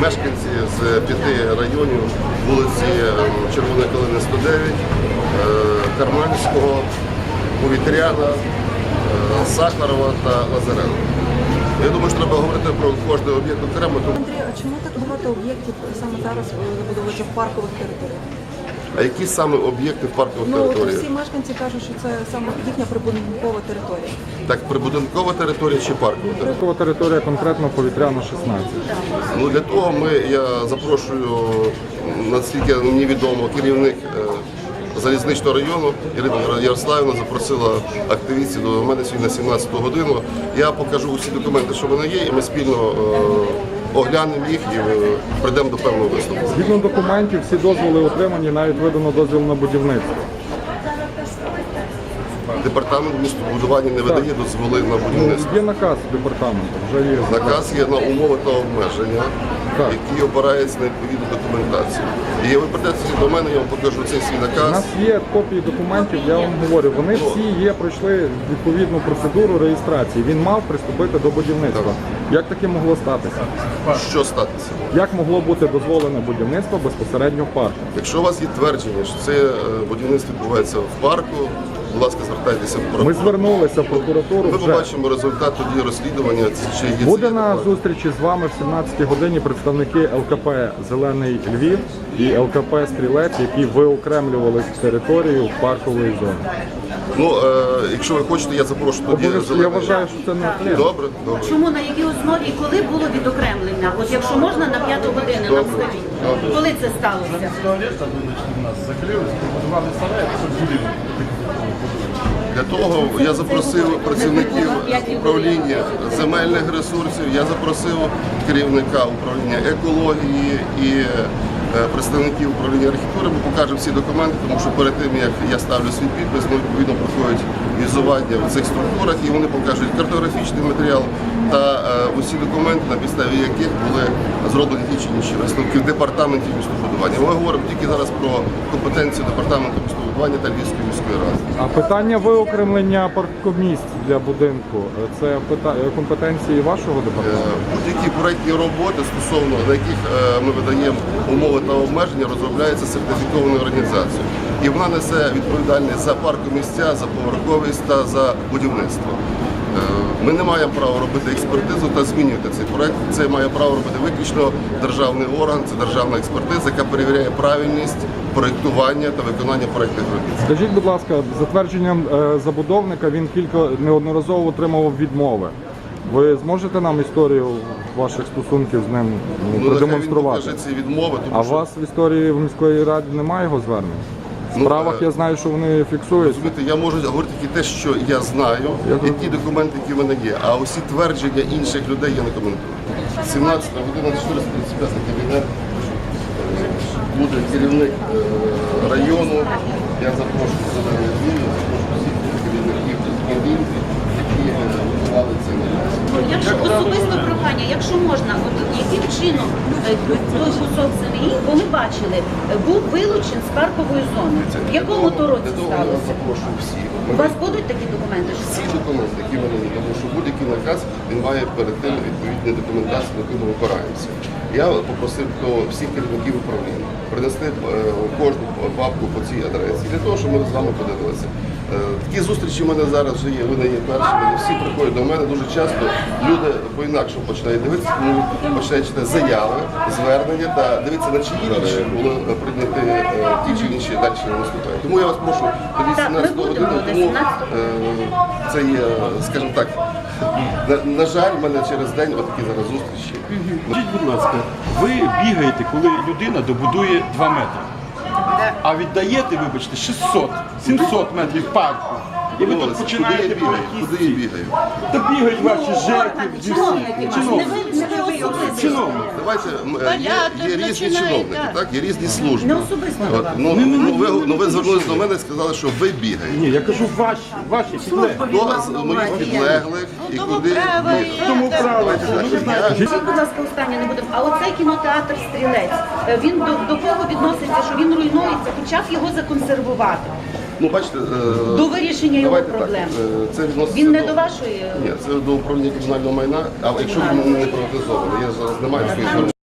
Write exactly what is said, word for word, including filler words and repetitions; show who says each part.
Speaker 1: Мешканці з п'яти районів вулиці Червоної Калини сто дев'ять, Карманського, Повітряна, Сахарова та Лазаренка. Я думаю, що треба говорити про кожний об'єкт окремо.
Speaker 2: Андрій, а чому так багато об'єктів саме зараз забудовуються в паркових територіях?
Speaker 1: А які саме об'єкти в паркових
Speaker 2: Ну,
Speaker 1: територіях?
Speaker 2: всі мешканці кажуть, що це саме їхня прибудинкова територія.
Speaker 1: Так, прибудинкова територія чи паркова територія?
Speaker 3: Паркова територія конкретно Повітряна шістнадцять.
Speaker 1: Ну, для того ми, я запрошую, наскільки мені відомо, керівник Залізничного району Ірина Ярославівна запросила активістів до мене сьогодні на сімнадцяту годину. Я покажу усі документи, що в мене є, і ми спільно е, оглянемо їх і е, прийдемо до певного висновку.
Speaker 3: Згідно документів, всі дозволи отримані, навіть видано дозвіл на будівництво.
Speaker 1: Департамент містобудування не видає дозволи на будівництво.
Speaker 3: Є наказ департаменту, вже є.
Speaker 1: Наказ є на умови та обмеження,
Speaker 3: Так.
Speaker 1: які опираються на відповідну документацію. І ви прийдете до мене, я вам покажу цей свій
Speaker 3: У
Speaker 1: наказ.
Speaker 3: нас є копії документів, я вам говорю, вони всі є, пройшли відповідну процедуру реєстрації. Він мав приступити до будівництва. Як таке могло статися?
Speaker 1: Що статися?
Speaker 3: Як могло бути дозволене будівництво безпосередньо в парку?
Speaker 1: Якщо у вас є твердження, що це е, будівництво відбувається в парку, будь ласка, звертайтеся в
Speaker 3: Ми
Speaker 1: прокуратуру.
Speaker 3: звернулися в прокуратуру
Speaker 1: Ми
Speaker 3: вже.
Speaker 1: побачимо результат тоді розслідування, чи є
Speaker 3: Буде
Speaker 1: це
Speaker 3: на
Speaker 1: факт.
Speaker 3: зустрічі з вами в сімнадцятій годині представники ел ка пе «Зелений Львів» і ел ка пе «Стрілець», які виокремлювали територію паркової зони.
Speaker 1: Ну, е, якщо ви хочете, я запрошу тоді
Speaker 3: Обов'язково, я
Speaker 1: «Зелений».
Speaker 3: вважаю, що це не
Speaker 1: Добре, добре.
Speaker 4: Чому, на якій основі і коли було відокремлення? От якщо можна на п'яту годину нам скажіть, коли це сталося?
Speaker 5: Туалет одночный у нас закрылись, побудували сарай, щоб будинок.
Speaker 1: Для того я запросив працівників управління земельних ресурсів, я запросив керівника управління екології і е, представників управління архітектури. Ми покажемо всі документи, тому що перед тим, як я ставлю свій підпис, ну, відповідно проходять візування в цих структурах, і вони покажуть картографічний матеріал та е, усі документи, на підставі яких були зроблені ті чи інші висновки в департаменті містобудування. Ми говоримо тільки зараз про компетенцію департаменту містобудування та Львівської міської ради.
Speaker 3: А питання виокремлення паркомісць для будинку – це пита- компетенції вашого департаменту?
Speaker 1: Будь-які проєктні роботи, стосовно на яких е, ми видаємо умови та обмеження, розробляється сертифікованою організацією. І вона несе відповідальність за паркомісця, за поверховість та за будівництво. Е, Ми не маємо права робити експертизу та змінювати цей проєкт. Це має право робити виключно державний орган, це державна експертиза, яка перевіряє правильність проєктування та виконання проєктних робіт.
Speaker 3: Скажіть, будь ласка, за твердженням е, забудовника він кілька неодноразово отримував відмови. Ви зможете нам історію ваших стосунків з ним ну,
Speaker 1: Ну, нехай він
Speaker 3: продемонструвати?
Speaker 1: покаже ці відмови, тому
Speaker 3: А у
Speaker 1: що
Speaker 3: вас в історії в міської раді немає його звернень? В
Speaker 1: Ну,
Speaker 3: справах
Speaker 1: е,
Speaker 3: я знаю, що вони фіксуються.
Speaker 1: розумієте, я можу говорити тільки те, що я знаю, і ті документи, які в мене є. А усі твердження інших людей я не коментую. сімнадцята година, чотириста тридцять п'ять кабінет. Буде керівник е, району. Я запрошую зелений Львів, я запрошую всіх керівників будинків, які е, готували цей наказ.
Speaker 4: Якщо особисто прохання, якщо можна, от яким чином е, той кусок землі, бо ми бачили, е, був вилучен з паркової зони. В якому то році
Speaker 1: Для того я
Speaker 4: сталося?
Speaker 1: запрошую всіх.
Speaker 4: У вас будуть такі документи? що
Speaker 1: Всі документи, які в мене є, тому що будь-який наказ він має перед тим відповідні документації, на яку ми опираємося. Я попросив до всіх керівників управління принести е, кожну папку по цій адресі, для того, щоб ми з вами подивилися. Е, Такі зустрічі в мене зараз вже є, ви не є першими, не всі приходять до мене. Дуже часто люди по-інакшому починають дивитися, тому починають читати заяви, звернення та дивитися, на чиї інші були прийняті е, ті чи інші далі наступають. Тому я вас прошу тоді
Speaker 4: Так, ми
Speaker 1: сімнадцяту
Speaker 4: будемо
Speaker 1: годину,
Speaker 4: до
Speaker 1: тому
Speaker 4: сімнадцятого.
Speaker 1: е, це є, скажімо так, на, на жаль, в мене через день отакі зараз зустрічі.
Speaker 5: Скажіть, будь ласка, ви бігаєте, коли людина добудує два метри, а віддаєте, вибачте, шістсот сімсот метрів парку. І ви тут
Speaker 1: Куди я
Speaker 5: починаєте про
Speaker 1: бігаю?
Speaker 5: якісь
Speaker 1: Куди я
Speaker 5: ці.
Speaker 1: бігаю?
Speaker 5: Та бігають ваші жеки, всі.
Speaker 4: Чиновники,
Speaker 5: Чиновники.
Speaker 4: не ви, не ви особисто.
Speaker 5: Чиновники.
Speaker 1: Давайте м, е, є, є різні чиновники, так, є різні служби.
Speaker 4: Не особисто до
Speaker 1: От,
Speaker 4: вас.
Speaker 1: ну, ну, ви, ну, ви звернулися до мене і сказали, що ви бігаєте.
Speaker 5: Ні, я кажу ваші, ваші підлеглі.
Speaker 1: Хто з моїх підлеглих і куди бігає?
Speaker 5: Тому правильно.
Speaker 1: Давайте так, я-
Speaker 4: Скажіть, будь ласка, останнє не будемо. А оцей кінотеатр «Стрілець», е, він до, до кого відноситься, що він руйнується, хоча б його законсервувати
Speaker 1: Ну, бачите, е,
Speaker 4: до вирішення його
Speaker 1: давайте так,
Speaker 4: проблем.
Speaker 1: е, це відноситься
Speaker 4: Він не
Speaker 1: до...
Speaker 4: до вашої.
Speaker 1: Ні, це до управління комунального майна, а якщо він не приватизований, я зараз не маю своїх